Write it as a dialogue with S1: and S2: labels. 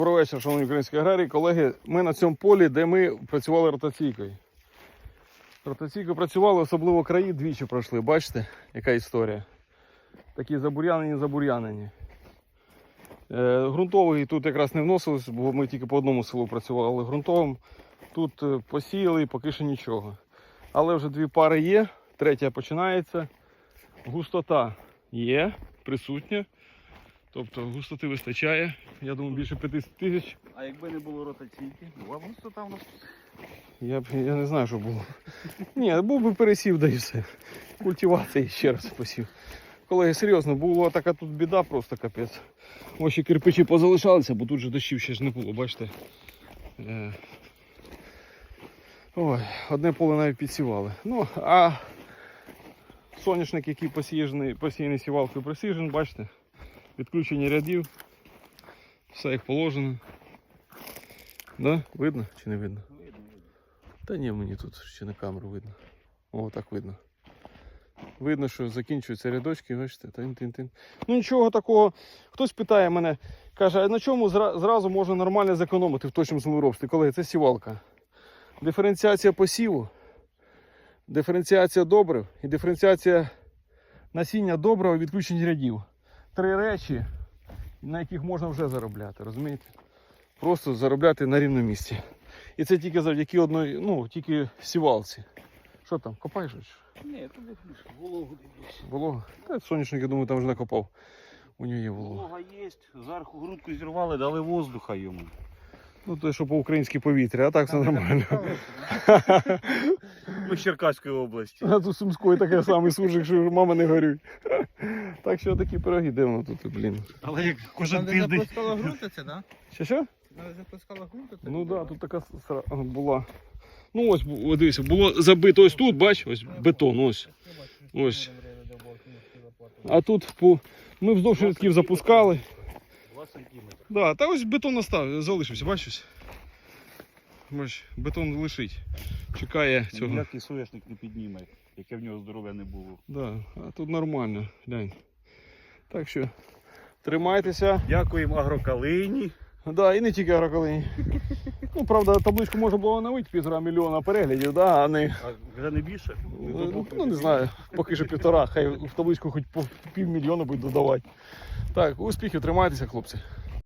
S1: Добрий вечір, шановні українські аграрії. Колеги, ми на цьому полі, де ми працювали ротаційкою. Ротаційкою працювали, особливо краї двічі пройшли. Бачите, яка історія? Такі забур'янені. Ґрунтовий тут якраз не вносилось, бо ми тільки по одному селу працювали ґрунтовим. Тут посіяли і поки що нічого. Але вже дві пари є, третя починається. Густота є, присутня. Тобто густоти вистачає, я думаю, більше 50 тисяч.
S2: А якби не було ротаційки, була б густота в нас?
S1: Я не знаю, що було. Ні, був би пересів, да і все. Культивація ще раз посів. Колеги, серйозно, була така тут біда, просто капець. Ось ще кирпичі позалишалися, бо тут же дощів ще ж не було, бачите. Ой, одне поле навіть підсівали. Ну, а соняшник, який посіяний сівалкою Precision, бачите, відключення рядів, все як положено. Да? Видно чи не видно?
S2: Видно.
S1: Та ні, мені тут ще на камеру видно. О, так видно. Видно, що закінчуються рядочки, бачите, тин-тин-тин. Ну нічого такого. Хтось питає мене, каже, а на чому зразу можна нормально зекономити в точному землеробстві? Колеги, це сівалка. Диференціація посіву, диференціація добрив і диференціація насіння добрива, відключення рядів. Три речі, на яких можна вже заробляти, розумієте? Просто заробляти на рівному місці. І це тільки завдяки одної, ну, тільки сівалці. Що там, копаєш?
S2: Ні, тут більше вологу дивлюсь.
S1: Волога? Та соняшник, я думаю, там вже накопав. У нього є волога.
S2: Волога є, зверху грудку зірвали, дали воздуха йому.
S1: Ну, то, що по-українськи повітря, а так все нормально.
S2: Ми з Черкаської області.
S1: А тут Сумської таке самий суржик, що мама не горюй. Так що такі пироги, де воно тут, блін.
S2: Але як кожен
S3: Там де
S2: тиждень.
S3: запускала ґрунт, це, да?
S1: Що?
S3: Там де запускала ґрунт, це?
S1: Ну так, да, тут така була. Ну ось, дивіться, було забито ось тут, бач, ось бетон, ось. Ось. А тут ми вздовж рядків запускали.
S2: 2 сантиметри.
S1: Да, та ось бетон залишився, бачиш? Бач, бетон лишить. Чекає цього.
S2: Ніякий соняшник не підніме, яке в нього здоров'я не було.
S1: Да, а тут нормально, глянь. Так що тримайтеся.
S2: Дякуємо Агрокалині.
S1: Да, і не тільки Агрокалині. Ну, правда, табличку можна було оновити, 1,5 мільйона переглядів, да, а не...
S2: А вже не більше?
S1: Ну, не знаю, поки що 1,5, хай в табличку хоч по 500 000 будуть додавати. Так, успіхів, тримайтеся, хлопці.